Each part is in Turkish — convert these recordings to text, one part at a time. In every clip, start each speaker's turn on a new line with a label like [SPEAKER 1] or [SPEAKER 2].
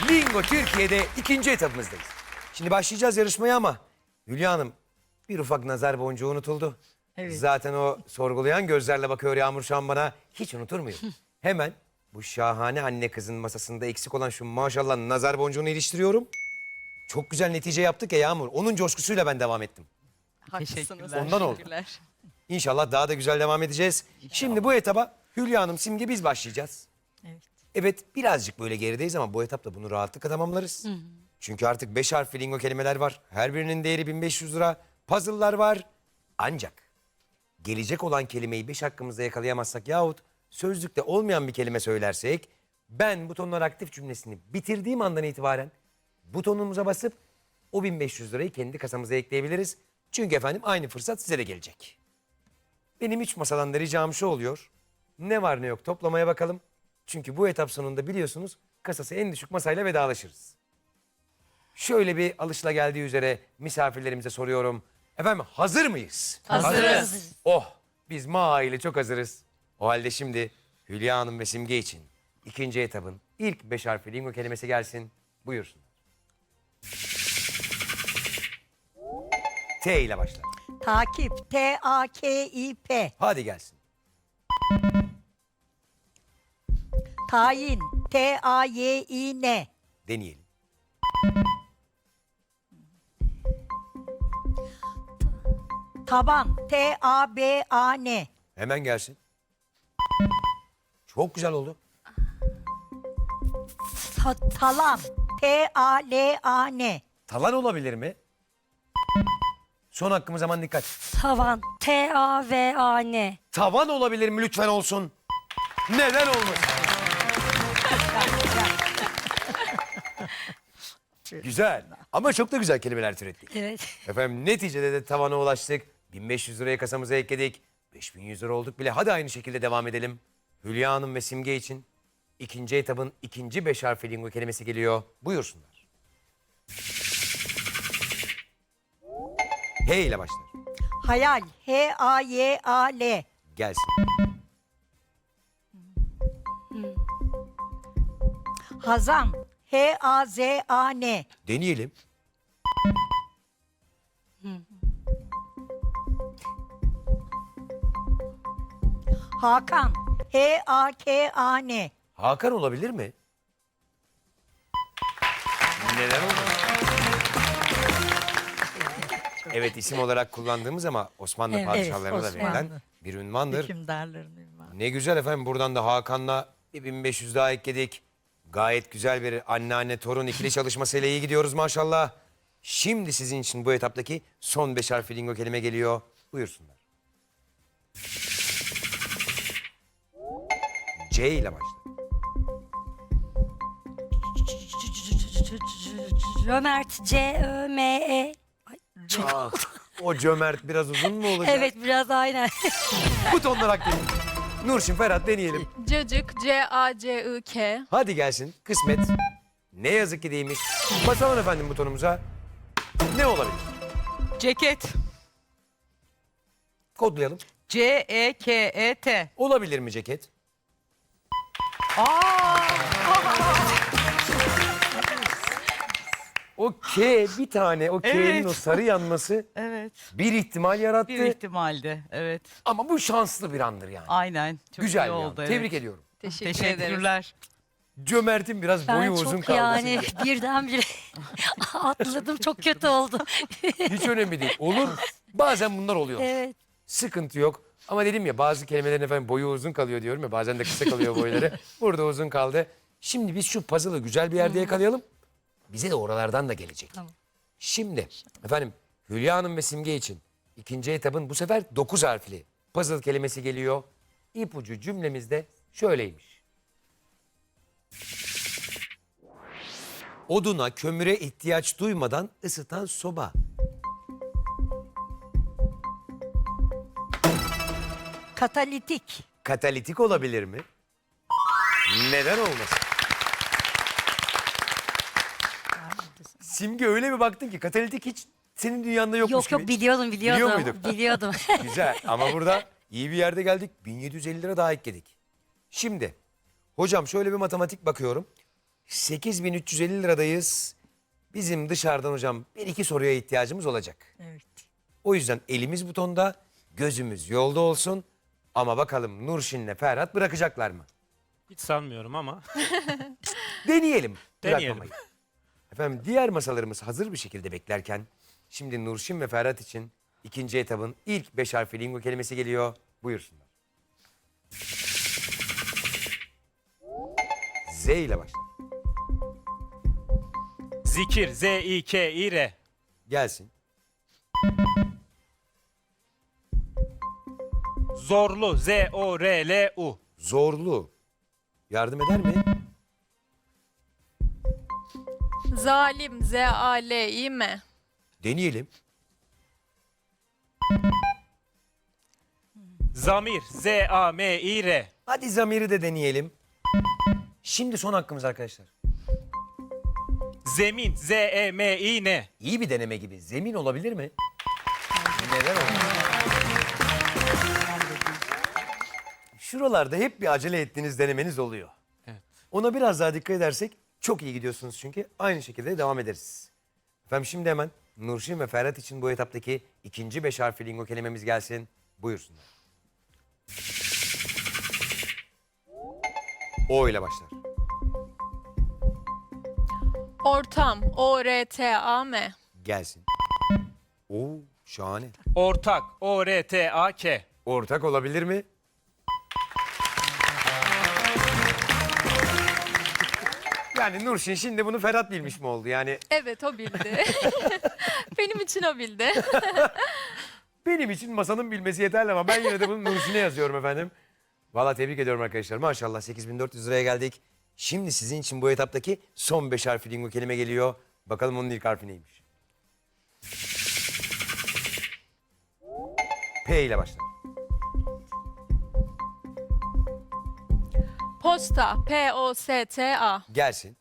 [SPEAKER 1] Lingo Türkiye'de ikinci etapımızdayız. Şimdi başlayacağız yarışmaya ama Hülya Hanım bir ufak nazar boncuğu unutuldu.
[SPEAKER 2] Evet.
[SPEAKER 1] Zaten o sorgulayan gözlerle bakıyor Yağmur şu an bana. Hiç unutur muyum? Hemen bu şahane anne kızın masasında eksik olan şu maşallah nazar boncuğunu iliştiriyorum. Çok güzel netice yaptık ya Yağmur. Onun coşkusuyla ben devam ettim.
[SPEAKER 2] Haklısınız.
[SPEAKER 1] Ondan oldu.
[SPEAKER 2] Teşekkürler.
[SPEAKER 1] İnşallah daha da güzel devam edeceğiz. Şimdi bu etaba Hülya Hanım, Simge biz başlayacağız.
[SPEAKER 2] Evet.
[SPEAKER 1] Evet birazcık böyle gerideyiz ama bu etapta bunu rahatlıkla tamamlarız. Çünkü artık 5 harfli lingo kelimeler var. Her birinin değeri 1500 lira. Puzzle'lar var. Ancak gelecek olan kelimeyi 5 hakkımızda yakalayamazsak yahut sözlükte olmayan bir kelime söylersek ben butonlar aktif cümlesini bitirdiğim andan itibaren butonumuza basıp o 1500 lirayı kendi kasamıza ekleyebiliriz. Çünkü efendim aynı fırsat size de gelecek. Benim 3 masadan da ricam şu oluyor. Ne var ne yok toplamaya bakalım. Çünkü bu etap sonunda biliyorsunuz kasası en düşük masayla vedalaşırız. Şöyle bir alışılageldiği üzere misafirlerimize soruyorum. Efendim hazır mıyız?
[SPEAKER 2] Hazırız.
[SPEAKER 1] Oh biz ile çok hazırız. O halde şimdi Hülya Hanım ve Simge için ikinci etapın ilk 5 harfli lingo kelimesi gelsin. Buyursunlar. T ile başlar.
[SPEAKER 2] Takip. T-A-K-İ-P.
[SPEAKER 1] Hadi gelsin.
[SPEAKER 2] Tayin. T-A-Y-İ-N.
[SPEAKER 1] Deneyelim.
[SPEAKER 2] Taban. T-A-B-A-N.
[SPEAKER 1] Hemen gelsin. Çok güzel oldu.
[SPEAKER 2] Talan. T-A-L-A-N.
[SPEAKER 1] Talan olabilir mi? Son hakkımız aman dikkat.
[SPEAKER 3] Tavan. T-A-V-A-N.
[SPEAKER 1] Tavan olabilir mi lütfen olsun? Neden olmasın? Güzel ama çok da güzel kelimeler türettik.
[SPEAKER 3] Evet.
[SPEAKER 1] Efendim neticede de tavana ulaştık. 1500 liraya kasamıza ekledik. 5100 lira olduk bile. Hadi aynı şekilde devam edelim. Hülya Hanım ve Simge için ikinci etabın ikinci 5 harfli lingo kelimesi geliyor. Buyursunlar. H ile başlar.
[SPEAKER 2] Hayal. H-A-Y-A-L.
[SPEAKER 1] Gelsin.
[SPEAKER 2] Hazan. H-A-Z-A-N.
[SPEAKER 1] Deneyelim.
[SPEAKER 2] Hakan. H-A-K-A-N.
[SPEAKER 1] Hakan olabilir mi? Neden olmasın? Evet isim olarak kullandığımız ama Osmanlı
[SPEAKER 2] Evet,
[SPEAKER 1] padişahlarına da
[SPEAKER 2] Osmanlı.
[SPEAKER 1] verilen bir ünvandır.
[SPEAKER 2] Hükümdarların ünvanı.
[SPEAKER 1] Ne güzel efendim buradan da Hakan'la 1500 daha ekledik. Gayet güzel bir anneanne torun ikili çalışmasıyla iyi gidiyoruz maşallah. Şimdi sizin için bu etaptaki son 5 harfli lingo kelime geliyor. Buyursunlar. C ile başlar.
[SPEAKER 3] Cömert. C-Ö-M-E.
[SPEAKER 1] Ah, o cömert biraz uzun mu olacak?
[SPEAKER 3] Evet biraz aynen.
[SPEAKER 1] Butonlar aktif. Nurşin, Ferhat deneyelim.
[SPEAKER 4] Cacık, C-A-C-I-K.
[SPEAKER 1] Hadi gelsin kısmet. Ne yazık ki değilmiş. Basalım efendim butonumuza. Ne olabilir?
[SPEAKER 5] Ceket.
[SPEAKER 1] Kodlayalım.
[SPEAKER 5] C-E-K-E-T.
[SPEAKER 1] Olabilir mi ceket? O K bir tane, o K'nin
[SPEAKER 5] Evet.
[SPEAKER 1] o sarı yanması
[SPEAKER 5] Evet.
[SPEAKER 1] bir ihtimal yarattı.
[SPEAKER 5] Bir ihtimalde. Evet.
[SPEAKER 1] Ama bu şanslı bir andır yani.
[SPEAKER 5] Aynen. Çok
[SPEAKER 1] Güzel
[SPEAKER 5] iyi
[SPEAKER 1] bir an.
[SPEAKER 5] oldu.
[SPEAKER 1] Tebrik
[SPEAKER 5] evet.
[SPEAKER 1] ediyorum.
[SPEAKER 4] Teşekkür ederiz.
[SPEAKER 5] Teşekkürler.
[SPEAKER 1] Cömert'in biraz
[SPEAKER 3] Ben
[SPEAKER 1] boyu uzun
[SPEAKER 3] çok
[SPEAKER 1] kaldı.
[SPEAKER 3] yani birdenbire atladım. Çok kötü oldu.
[SPEAKER 1] Hiç önemli değil. Olur. Bazen bunlar oluyor.
[SPEAKER 3] Evet.
[SPEAKER 1] Sıkıntı yok. Ama dedim ya bazı kelimelerin efendim boyu uzun kalıyor diyorum ya. Bazen de kısa kalıyor boyları. Burada uzun kaldı. Şimdi biz şu puzzle'ı güzel bir yerde yakalayalım. Bize de oralardan da gelecek.
[SPEAKER 3] Tamam.
[SPEAKER 1] Şimdi efendim Hülya Hanım ve Simge için ikinci etabın bu sefer 9 harfli puzzle kelimesi geliyor. İpucu cümlemizde şöyleymiş. Oduna, kömüre ihtiyaç duymadan ısıtan soba.
[SPEAKER 2] Katalitik.
[SPEAKER 1] Katalitik olabilir mi? Neden olmasın? Simge öyle bir baktın ki katalitik hiç senin dünyanda yokmuş
[SPEAKER 3] Yok
[SPEAKER 1] gibi.
[SPEAKER 3] yok biliyordum.
[SPEAKER 1] Biliyor muydun?
[SPEAKER 3] Biliyordum.
[SPEAKER 1] Güzel ama burada iyi bir yerde geldik. 1750 lira daha ekledik. Şimdi hocam şöyle bir matematik bakıyorum. 8.350 liradayız. Bizim dışarıdan hocam bir iki soruya ihtiyacımız olacak.
[SPEAKER 2] Evet.
[SPEAKER 1] O yüzden elimiz butonda, gözümüz yolda olsun. Ama bakalım Nurşin'le Ferhat bırakacaklar mı?
[SPEAKER 6] Hiç sanmıyorum ama.
[SPEAKER 1] Deneyelim.
[SPEAKER 6] Deneyelim.
[SPEAKER 1] Bırakmamayı. Efendim diğer masalarımız hazır bir şekilde beklerken şimdi Nurşin ve Ferhat için ikinci etabın ilk 5 harfli lingo kelimesi geliyor. Buyursunlar. Z ile başlar.
[SPEAKER 6] Zikir, Z-İ-K-İ-R.
[SPEAKER 1] Gelsin.
[SPEAKER 6] Zorlu, Z-O-R-L-U.
[SPEAKER 1] Zorlu. Yardım eder mi?
[SPEAKER 4] Zalim, Z-A-L-İ-M.
[SPEAKER 1] Deneyelim.
[SPEAKER 6] Zamir, Z-A-M-İ-R.
[SPEAKER 1] Hadi zamiri de deneyelim. Şimdi son hakkımız arkadaşlar.
[SPEAKER 6] Zemin, Z-E-M-İ-N.
[SPEAKER 1] İyi bir deneme gibi. Zemin olabilir mi? Neden olmaz? Şuralarda hep bir acele ettiğiniz denemeniz oluyor.
[SPEAKER 6] Evet.
[SPEAKER 1] Ona biraz daha dikkat edersek çok iyi gidiyorsunuz çünkü. Aynı şekilde devam ederiz. Efendim şimdi hemen Nurşin ve Ferhat için bu etaptaki ikinci 5 harfli lingo kelimemiz gelsin. Buyursunlar. O ile başlar.
[SPEAKER 4] Ortam, O-R-T-A-M.
[SPEAKER 1] Gelsin. Oo, şahane.
[SPEAKER 6] Ortak, O-R-T-A-K.
[SPEAKER 1] Ortak olabilir mi? Yani Nurşin şimdi bunu Ferhat bilmiş mi oldu? Yani
[SPEAKER 4] Evet, o bildi. Benim için o bildi.
[SPEAKER 1] benim için masanın bilmesi yeterli ama ben yine de bunu Nurşin'e yazıyorum efendim. Vallahi tebrik ediyorum arkadaşlar. Maşallah 8.400 liraya geldik. Şimdi sizin için bu etaptaki son 5 harfli lingo kelime geliyor. Bakalım onun ilk harfi neymiş? P ile başlar.
[SPEAKER 4] Posta, P-O-S-T-A.
[SPEAKER 1] Gelsin.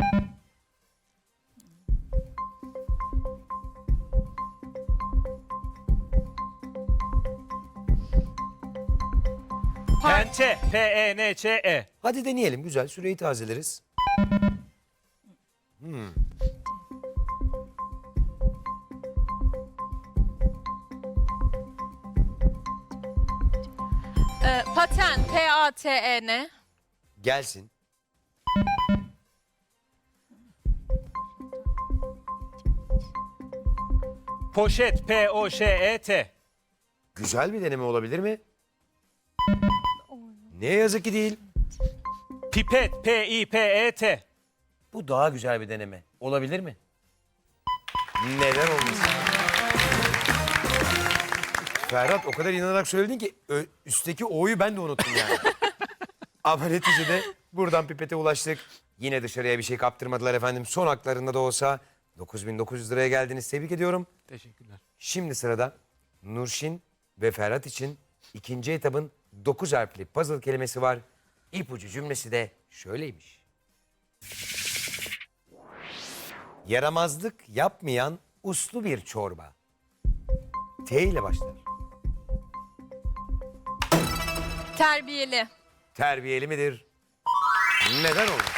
[SPEAKER 6] Pençe, P-E-N-Ç-E.
[SPEAKER 1] Hadi deneyelim. Güzel. Süreyi tazeleriz.
[SPEAKER 4] Paten, P-A-T-E-N.
[SPEAKER 1] Gelsin.
[SPEAKER 6] Poşet, P-O-Ş-E-T.
[SPEAKER 1] Güzel bir deneme olabilir mi? Ne yazık ki değil.
[SPEAKER 6] Pipet, P-İ-P-E-T.
[SPEAKER 1] Bu daha güzel bir deneme. Olabilir mi? Neden olmasın? Ferhat o kadar inanarak söyledin ki üstteki O'yu ben de unuttum yani. Ama neticede buradan pipete ulaştık. Yine dışarıya bir şey kaptırmadılar efendim. Son haklarında da olsa 9.900 liraya geldiniz. Tebrik ediyorum.
[SPEAKER 6] Teşekkürler.
[SPEAKER 1] Şimdi sırada Nurşin ve Ferhat için ikinci etabın 9 harfli puzzle kelimesi var. İpucu cümlesi de şöyleymiş. Yaramazlık yapmayan uslu bir çorba. T ile başlar.
[SPEAKER 4] Terbiyeli.
[SPEAKER 1] Terbiyeli midir? Neden olmaz?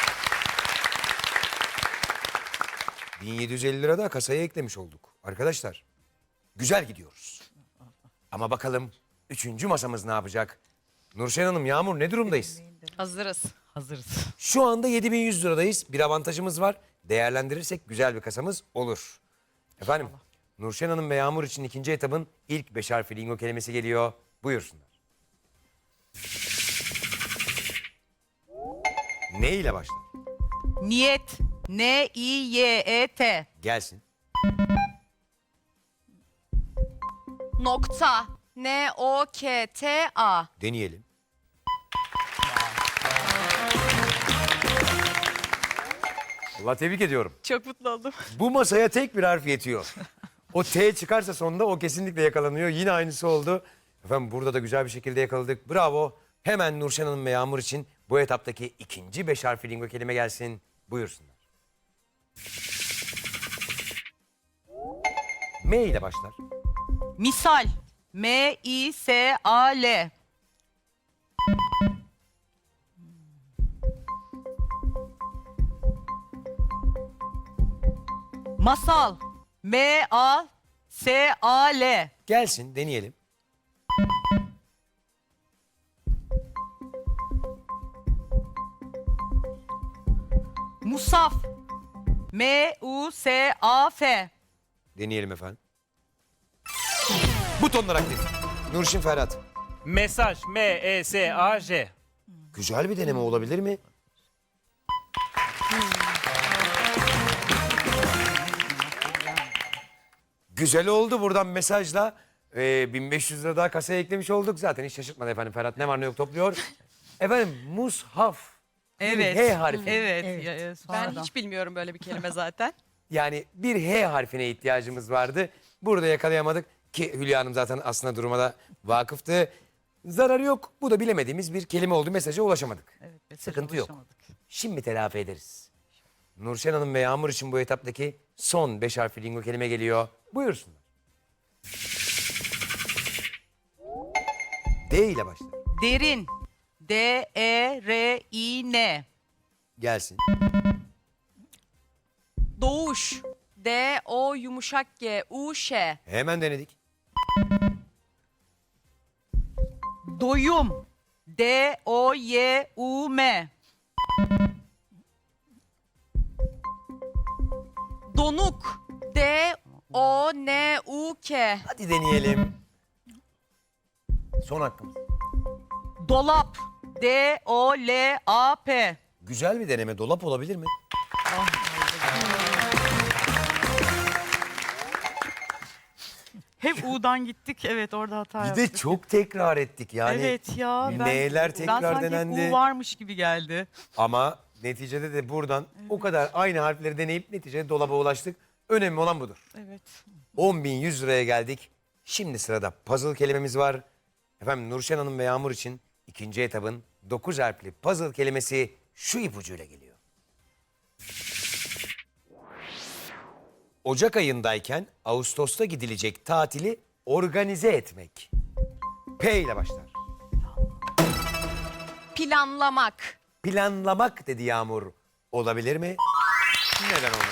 [SPEAKER 1] 1750 lira da kasaya eklemiş olduk. Arkadaşlar güzel gidiyoruz. Ama bakalım 3. masamız ne yapacak? Nurşen Hanım, Yağmur ne durumdayız?
[SPEAKER 5] Hazırız. Hazırız.
[SPEAKER 1] Şu anda 7.100 liradayız. Bir avantajımız var. Değerlendirirsek güzel bir kasamız olur. Efendim Nurşen Hanım ve Yağmur için ikinci etabın ilk 5 harfli lingo kelimesi geliyor. Buyursunlar. Ne ile başlar?
[SPEAKER 5] Niyet. N-İ-Y-E-T.
[SPEAKER 1] Gelsin.
[SPEAKER 7] Nokta. N-O-K-T-A.
[SPEAKER 1] Deneyelim. Allah tebrik ediyorum.
[SPEAKER 7] Çok mutlu oldum.
[SPEAKER 1] Bu masaya tek bir harf yetiyor. O T çıkarsa sonunda o kesinlikle yakalanıyor. Yine aynısı oldu. Efendim burada da güzel bir şekilde yakaladık. Bravo. Hemen Nurşen Hanım ve Yağmur için bu etaptaki ikinci 5 harfli lingo kelime gelsin. Buyursunlar. M ile başlar.
[SPEAKER 5] Misal. M-İ-S-A-L. Masal. M-A-S-A-L.
[SPEAKER 1] Gelsin deneyelim.
[SPEAKER 5] Musaf. M-U-S-A-F.
[SPEAKER 1] Deneyelim efendim. Butonlar aktif. Nurşin Ferhat.
[SPEAKER 6] Mesaj M-E-S-A-J.
[SPEAKER 1] Güzel bir deneme olabilir mi? Güzel oldu buradan mesajla. 1500 lira daha kasaya eklemiş olduk. Zaten hiç şaşırtmadı efendim Ferhat. Ne var ne yok topluyor. Efendim mushaf.
[SPEAKER 5] Evet.
[SPEAKER 1] H harfi.
[SPEAKER 5] Evet.
[SPEAKER 2] Evet.
[SPEAKER 5] Ya,
[SPEAKER 7] Ben
[SPEAKER 5] sonradan.
[SPEAKER 7] hiç bilmiyorum böyle bir kelime zaten.
[SPEAKER 1] Yani bir H harfine ihtiyacımız vardı. Burada yakalayamadık ki Hülya Hanım zaten aslında duruma da vakıftı. Zararı yok. Bu da bilemediğimiz bir kelime oldu. Mesaja ulaşamadık.
[SPEAKER 5] Evet, mesaja
[SPEAKER 1] Sıkıntı yok.
[SPEAKER 5] ulaşamadık.
[SPEAKER 1] Şimdi telafi ederiz. Nurşen Hanım ve Yağmur için bu etaptaki son 5 harfli lingo kelime geliyor. Buyursunlar. D ile başlar.
[SPEAKER 5] Derin. D-E-R-İ-N.
[SPEAKER 1] Gelsin.
[SPEAKER 4] Doğuş. D-O yumuşak G. U-Ş.
[SPEAKER 1] Hemen denedik.
[SPEAKER 5] Doyum. D-O-Y-U-M.
[SPEAKER 4] Donuk. D-O-N-U-K.
[SPEAKER 1] Hadi deneyelim. Son hakkımız.
[SPEAKER 5] Dolap. D-O-L-A-P.
[SPEAKER 1] Güzel bir deneme. Dolap olabilir mi?
[SPEAKER 5] Hep U'dan gittik. Evet, orada hata
[SPEAKER 1] Bir
[SPEAKER 5] yaptık.
[SPEAKER 1] de çok tekrar ettik yani.
[SPEAKER 5] Evet ya.
[SPEAKER 1] N'ler tekrar
[SPEAKER 5] ben sanki hep
[SPEAKER 1] denendi.
[SPEAKER 5] U varmış gibi geldi.
[SPEAKER 1] Ama neticede de buradan o kadar aynı harfleri deneyip neticede dolaba ulaştık. Önemli olan budur.
[SPEAKER 5] Evet.
[SPEAKER 1] 10.100 liraya geldik. Şimdi sırada puzzle kelimemiz var. Efendim Nurşen Hanım ve Yağmur için ikinci etabın 9 harfli puzzle kelimesi şu ipucuyla geliyor. Ocak ayındayken Ağustos'ta gidilecek tatili organize etmek. P ile başlar.
[SPEAKER 4] Planlamak.
[SPEAKER 1] Planlamak dedi Yağmur. Olabilir mi? Neden olmaz?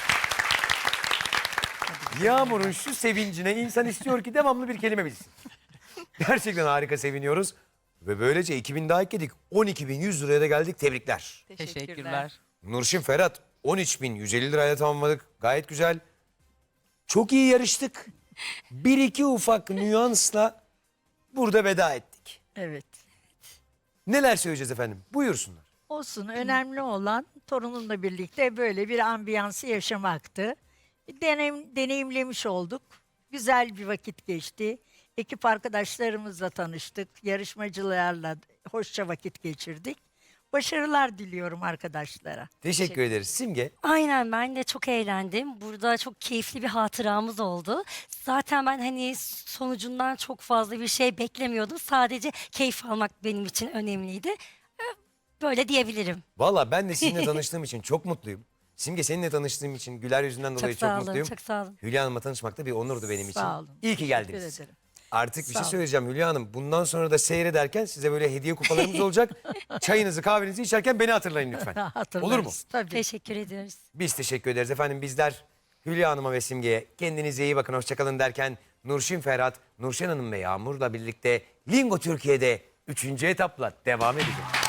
[SPEAKER 1] Yağmur'un şu sevincine insan istiyor ki devamlı bir kelime bilsin. Gerçekten harika seviniyoruz. Ve böylece 2000 daha ekledik. 12.100 liraya da geldik. Tebrikler.
[SPEAKER 5] Teşekkürler.
[SPEAKER 1] Nurşin Ferhat 13.150 lirayla tamamladık. Gayet güzel. Çok iyi yarıştık. Bir iki ufak nüansla burada veda ettik.
[SPEAKER 2] Evet.
[SPEAKER 1] Neler söyleyeceğiz efendim? Buyursunlar.
[SPEAKER 2] Olsun. Önemli olan torunumla birlikte böyle bir ambiyansı yaşamaktı. Deneyimlemiş olduk. Güzel bir vakit geçti. Ekip arkadaşlarımızla tanıştık. Yarışmacılarla hoşça vakit geçirdik. Başarılar diliyorum arkadaşlara.
[SPEAKER 1] Teşekkür ederiz. Simge.
[SPEAKER 3] Aynen, ben de çok eğlendim. Burada çok keyifli bir hatıramız oldu. Zaten ben hani sonucundan çok fazla bir şey beklemiyordum. Sadece keyif almak benim için önemliydi. Böyle diyebilirim.
[SPEAKER 1] Valla ben de sizinle tanıştığım için çok mutluyum. Simge seninle tanıştığım için güler yüzünden dolayı
[SPEAKER 3] Çok
[SPEAKER 1] çok
[SPEAKER 3] sağ olun,
[SPEAKER 1] mutluyum.
[SPEAKER 3] çok sağ olun.
[SPEAKER 1] Hülya Hanım'la tanışmak da bir onurdu benim için.
[SPEAKER 2] Sağ olun.
[SPEAKER 1] İyi ki
[SPEAKER 2] Teşekkür
[SPEAKER 1] geldiniz.
[SPEAKER 2] ederim.
[SPEAKER 1] Artık bir
[SPEAKER 2] Sağ
[SPEAKER 1] şey
[SPEAKER 2] olun.
[SPEAKER 1] söyleyeceğim Hülya Hanım. Bundan sonra da seyrederken size böyle hediye kupalarımız olacak. Çayınızı kahvenizi içerken beni hatırlayın lütfen.
[SPEAKER 2] Hatırlarız.
[SPEAKER 1] Olur mu?
[SPEAKER 2] Tabii.
[SPEAKER 3] Teşekkür ediyoruz.
[SPEAKER 1] Biz teşekkür ederiz efendim. Bizler Hülya Hanım'a ve Simge'ye kendinize iyi bakın, hoşçakalın derken Nurşin Ferhat, Nurşen Hanım ve Yağmur'la birlikte Lingo Türkiye'de 3. etapla devam edeceğiz.